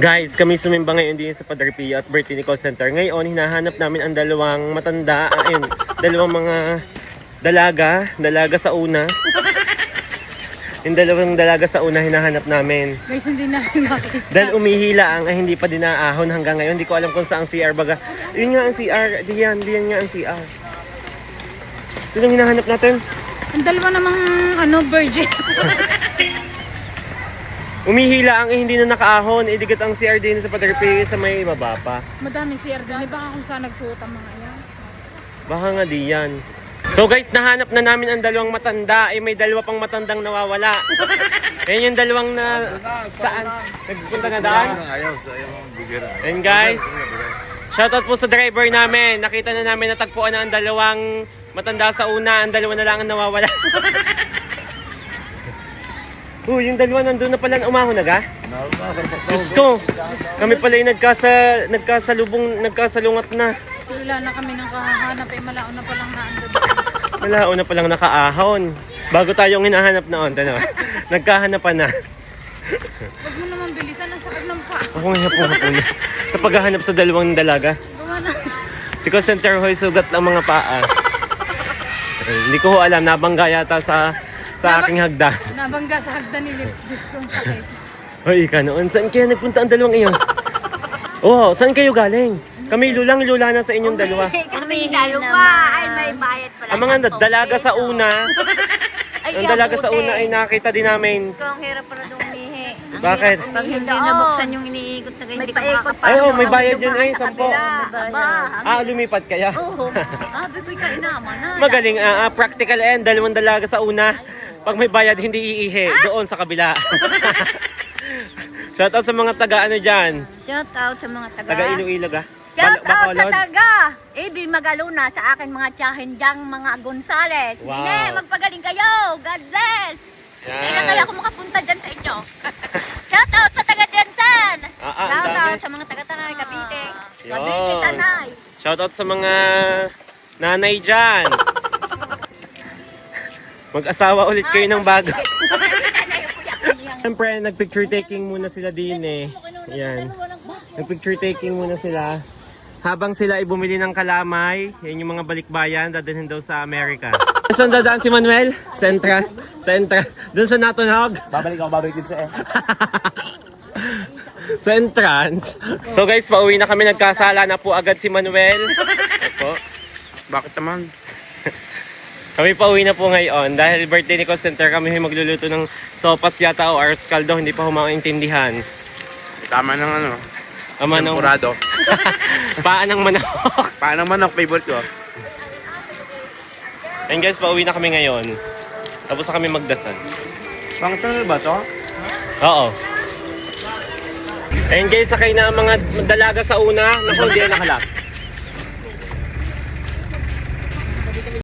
Guys, kami sumimba ngayon din sa Padre Pio at birthday ni call center. Ngayon, hinahanap namin ang dalawang matanda, dalawang mga dalaga sa una. Yung dalawang dalaga sa una hinahanap namin. Guys, hindi namin makita. Dahil umihila ang hindi pa dinaahon hanggang ngayon. Hindi ko alam kung saan ang CR baga. Yun nga ang CR. Diyan nga ang CR. Sinong hinahanap natin? Ang dalawa namang virgin. Umihila ang hindi na nakaahon. Idigat ang CR din sa Padre Pio sa may baba pa. Madaming CR din. Baka kung saan nagsuot ang mga yan. Baka nga diyan. So guys, nahanap na namin ang dalawang matanda. May dalawa pang matandang nawawala. Yan yung dalawang na... Saan? Nagpunta na daan? And guys, shoutout po sa driver namin. Nakita na namin natagpuan na ang dalawang matanda sa una. Ang dalawa na lang ang nawawala. Yung dalawa nandun na pala umahon na ga? Diyos ko, kami pala yung nagkasalungat na. Wala na kami ng kahahanap malaon na palang naandun. Malaon na palang nakaahon. Bago tayong hinahanap noon, nagkahanapan na. Huwag mo naman bilisan, ang sakit ng paa. Ako nga po na. Sa paghahanap sa dalawang dalaga. Gawa na. Si call center hoy, sugat lang mga paa. Hindi ko alam, nabangga yata sa aking hagda. Nabangga sa hagda ni Lips. Diyos kong sakit. Hoy, ka noon. Saan kaya nagpunta ang dalawang iyon? Oh, saan kayo galing? Kami lula na sa inyong dalawa. Kami dalawa ay may bayad pala. Ang mga dalaga sa una, ang dalaga sa una ay nakita din namin. Ang hirap pala dumihi. Bakit? Pag hindi nabuksan yung iniikot na hindi ka makakapasok. Ay, may bayad yun ay, 10. Aba, Lumipat kaya? oo. Bigoy ka inaman na. Magaling, practical and dalawang dalaga sa una. Pag may bayad, hindi iihi. Doon sa kabila. Shoutout sa mga taga dyan. Shout out sa mga Taga Iloilo ah. Shout out sa Bacolod. taga Ibi Magaluna sa akin mga tiyahin diyang mga Gonzales. Wow. Hindi, magpagaling kayo. God bless. Hindi na kaya ako makapunta dyan sa inyo. Shout out sa taga Densan. Shout out sa mga taga Tanay, Cavite. Cavite, Tanay. Shoutout sa mga nanay dyan. Mag-asawa ulit kayo ng bago. Siyempre, nag-picture taking muna sila din eh. Yan. Nag-picture taking muna sila. Habang sila ay bumili ng kalamay, yan yung mga balikbayan, dadalhin daw sa Amerika. Saan dadaan si Manuel? Sentra. Doon sa Natunog. Babalik din siya eh. Sa entrance. So guys, pauwi na kami. Nagkasala na po agad si Manuel. Opo. Bakit naman? Kami pauwi na po ngayon dahil birthday ni call center. Kami magluluto ng sopas yata o ars caldo. Hindi pa humaintindihan. Tama ng Ama ng tempurado. paa ng manok. Paano manok, favorite ko? And guys, pauwi na kami ngayon. Tapos na kami magdasal. Pang tunnel ba to? Oo. And guys, sakay na ang mga dalaga sa una. Naku, hindi na nakalak.